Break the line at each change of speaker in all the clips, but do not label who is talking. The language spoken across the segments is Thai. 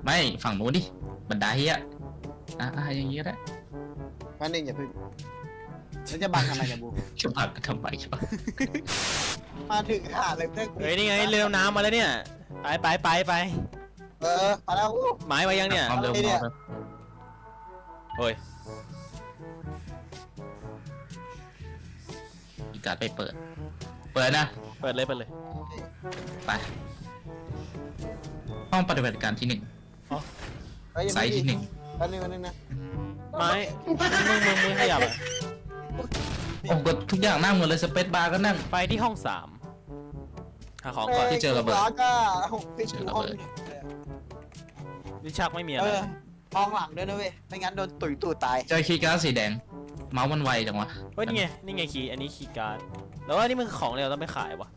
ไม่ฝั่งนู้นดิบันไดอ่ะอย่างงี้ก็ได้
วันหนึ่งอย่าพึ่งแล้วจะบังทำไมเนี่ยบู
จะพักทำไมวะ
มาถึงหาเลยเพื่อนกู
เฮ้ยนี่ไงเรือน้ำมาแล้วเนี่ยไป
มาแล้ว
หมายมายังเนี่ย
ความเร็ว
เนี่ย
โอ้ย
อีการ์ดไปเปิดนะ
เปิดเลย
ไปห้องปฏิบัติการที่ 1ไซต์ที่
วันหนึ่งนะ
ไม้มึงขยับอะ
1โอ้กดทุกอย่างนั่งหมดเลยสเปซบาร์ก็นั่ง
ไปที่ห้อง3หาของก่อน
ที่เจอระเบิด
ร้อนก็ที่เจอห้อง
ลิ้นชักไม่มีอะไร
ห้องหลังด้วยนะเว้ยไม่งั้นโดนตุ๋ยตูดตาย
เจอคีย์การ์ดสีแดงเมาส์มันไวจังวะ
เฮ้ยนี่ไงคีย์อันนี้คีย์การ์ดแล้วว่านี่มันของเราต้องไปขายวะ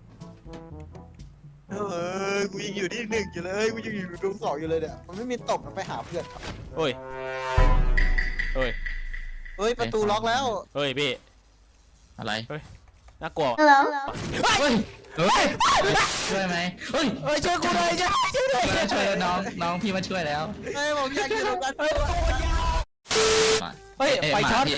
กูยังอยู่ที่หนึ่งอยู่เลยกูยังอยู่ตรงสองอยู่เลยเนี่ยมันไม่มีตบมันไปหาเพื่อน
เฮ้ย
เฮ้ยประตูล็อกแล้ว
เฮ้ยพี่
อะไร
น่ากลัว
เฮ้ยช่วยไหมเฮ้ย
ช่วยกูเลยช่วย
น้องพี่มาช่วยแล้ว
เฮ้ยผมอยากอยู่ตรงนั้น
เฮ้ยไฟช็อต
พี่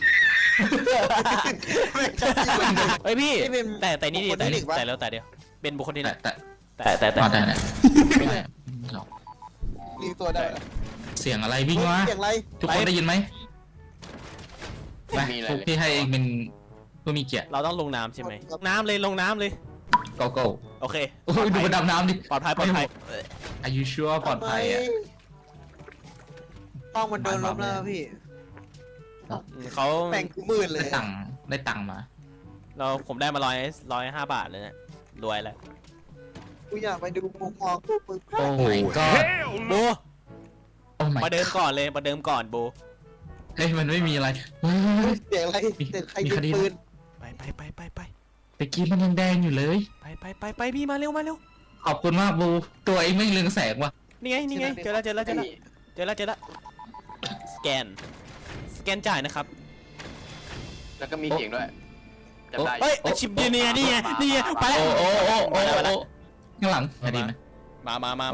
เฮ้ยพี่แต่นี่ดิแต่เดียวเป็นบุคคลที่ไหน
แต่
แต่
ได้หรอก
รีตัวได้
เสียงอะไรวิ่งวะ
เสียงอะไร
ทุกคนได้ยินไหมไปฟุกพี่ให้เองเป็นผู้มีเกียรติ
เราต้องลงน้ำใช่ไหมน้ำเลยลงน้ำเลย
โกโก้
โอเค
โอ้ยดูมันดำน้ำดิ
ปลอดภัย
Are you sure ปลอดภัยอ่ะ
ห้องมันโดนลบแล้วพี่
เขา
แบ่งกูมืดเลย
ได้ตังค์มา
ผมได้มา105 บาทเลยเนี่ยรวยแล้ว
กูอยากไปดูมุมมองพวกมึง
โอ้ my god
โบ
โอ้ my
มาเดิมก่อนเลยมาเดิมก่อนโบ
เฮ้ยมันไม่มีอะไร
เสียงอะไรเสียงใครยิงปืน
ไป
ตะกี้มันยังแดงอยู่เลย
ไปพี่มาเร็ว
ขอบคุณมากบูตัวเองไม่เรืองแสงว่ะ
นี่ไงเจอแล้วสแกนจ่ายนะครับ
แล้วก็มีเสียงด้วยจำได้
เฮ้ยชิปนี่ไงไปแล้ว
โอ้ข้างหลังไม่ดีไหม
มา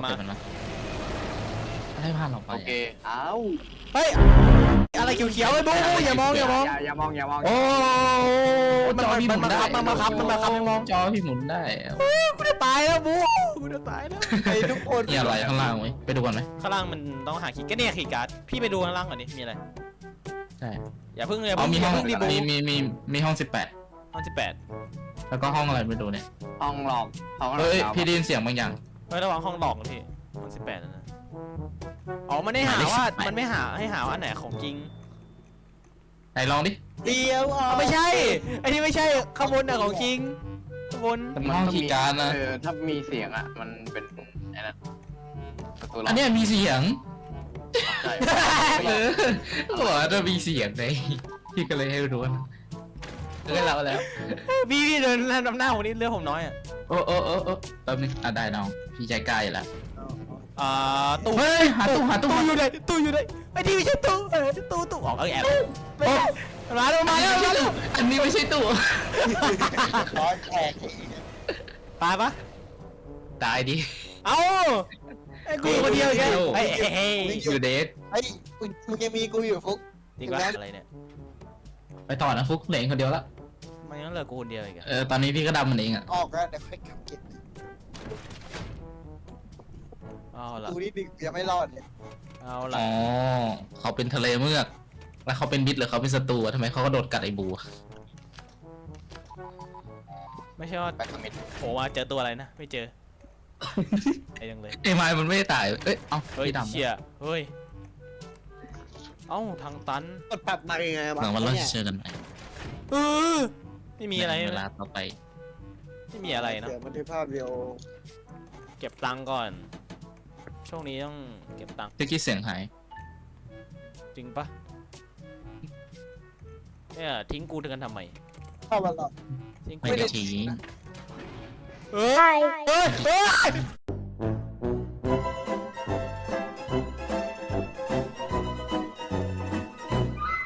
อะไรผ่านเราไป
โอเคเอ้า
เฮ้ยอะไรเขียวๆไอ้บูอย่ามอง
อย่ามอง
โอ้จอพี่หมุนได้
มันมาครับไม่มอง
จอพี่หมุนได้
กูจะตายแล้วบูกูจะตายแล้ว
ไอ้ทุกคน
มีอะไรข้างล่างไหมไปดูกันไหม
ข้างล่างมันต้องหาคีย์ก็เนี่ยคีย์การ์ดพี่ไปดูข้างล่างก่อนดิมีอะไร
ใช่
อย่าเพิ่ง
อ๋อมีห้อง
รีบู
มีห้อง
ห้อง18
18แล้วก็ห้องอะไรไม่ดูเนี่ย
ห้องหลอกห้องหลอก
เฮ้ยพี่ได้ยินเสียงบางอย่าง
เฮ้ยระวังห้องหลอกนะพี่ห้อง18นะอ๋อมันไม่หาว่ามันไม่หาให้หาว่าอันไหนของจริง
ไหนลองดิ
เดียวอ๋อ
ไม่ใช่ไอ้นี่ไม่ใช่ข้างบนน่ะของจริงข้างบน
มันห้องคีย์การ์ดนะ
ถ้ามีเสียงอ่ะมันเป็นไอ้นั่นประตูหลอก
อันเนี้ยมีเสียง
ใช่
บอกว่าจะมีเสียงไงพี่ก็เลยให้รู้นะให้เราแล้ว
พี่เดินนำหน้าผมนี่เลือดผมน้อยอ่ะ
โอ้แป๊บนึงได้น้องพี่ใจกล้าอยู่แล้ว
ตู้
เฮ้ยหาตู้
ตู้อยู่ไหนไอ้ที่ไม่ใช่ตู้ตู้ออกแอบไม่ใช่มาแล้ว
อันนี้ไม่ใช่ตู้
ร้อนแตก
ตายปะ
ตายดิ
เอ้าไอ้กูคนเดียวแกไอ้
อยู่เดท
ไอ้มึงยังมีกูอยู่ฟุก
ดีกว่าอะไรเนี่ย
ไปต่อนะฟุกเหลือคนเดียวละ
มันยังเหลือกูคนเดียวอีกอะ
ตอนนี้พี่ก็ดำมันเองอ่ะ
ออกแล้วเดี๋ยวค่อยกลับเก็บ
เอาละ
กูนี่ดึกยังไม่รอดเลย
เอาละ
อ๋อเขาเป็นทะเลเมือกแล้วเขาเป็นมิตรหรือเขาเป็นศัตรูทำไมเขาก็โดดกัดไอ้บู
ไม่ใช่ว่า
ไปสมิธ
โผล่มาเจอตัวอะไรนะไม่เจอไอ้ยังเลย
ไอ้ไม้มันไม่ได้ตายเอ้ยเอ้า
เฮ้ย
พี่ดำ
เชี่ยเฮ้ยเอ้าทางตัน
กดปรับมายังไง
เหมือนว่าเราจะเจอกันใหม่
ไม่มีอะไร
เวลาต่อไป
ไม่มีอะไรเนาะ
เสียบันทึกภาพเดียว
เก็บตังค์ก่อน ช่วงนี้ต้องเก็บตังค์
เมื่อกี้เสียงหาย
จริงปะเนี่ยทิ้งกูถึงกันทำไม
เข้ามาหรอก
ทิ้งกู
ไม่ได้ทิ้ง
เฮ้ย